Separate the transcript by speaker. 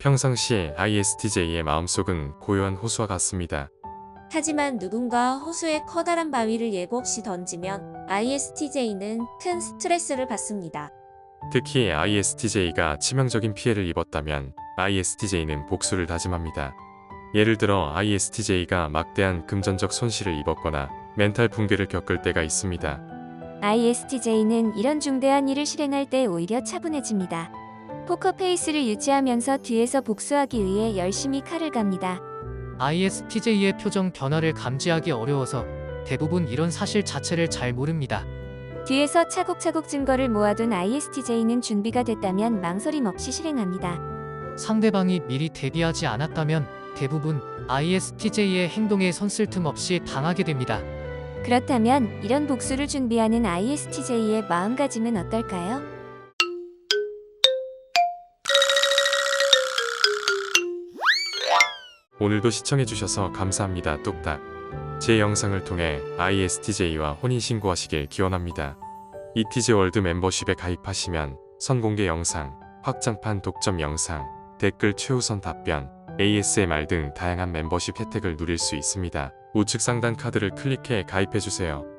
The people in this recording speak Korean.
Speaker 1: 평상시에 ISTJ의 마음속은 고요한 호수와 같습니다.
Speaker 2: 하지만 누군가 호수에 커다란 바위를 예고 없이 던지면 ISTJ는 큰 스트레스를 받습니다.
Speaker 1: 특히 ISTJ가 치명적인 피해를 입었다면 ISTJ는 복수를 다짐합니다. 예를 들어 ISTJ가 막대한 금전적 손실을 입었거나 멘탈 붕괴를 겪을 때가 있습니다.
Speaker 3: ISTJ는 이런 중대한 일을 실행할 때 오히려 차분해집니다. 포커페이스를 유지하면서 뒤에서 복수하기 위해 열심히 칼을 갑니다.
Speaker 4: ISTJ의 표정 변화를 감지하기 어려워서 대부분 이런 사실 자체를 잘 모릅니다.
Speaker 3: 뒤에서 차곡차곡 증거를 모아둔 ISTJ는 준비가 됐다면 망설임 없이 실행합니다.
Speaker 4: 상대방이 미리 대비하지 않았다면 대부분 ISTJ의 행동에 선쓸 틈 없이 당하게 됩니다.
Speaker 3: 그렇다면 이런 복수를 준비하는 ISTJ의 마음가짐은 어떨까요?
Speaker 1: 오늘도 시청해주셔서 감사합니다. 뚝딱. 제 영상을 통해 ISTJ와 혼인신고하시길 기원합니다. 이티즈월드 멤버십에 가입하시면 선공개 영상, 확장판 독점 영상, 댓글 최우선 답변, ASMR 등 다양한 멤버십 혜택을 누릴 수 있습니다. 우측 상단 카드를 클릭해 가입해주세요.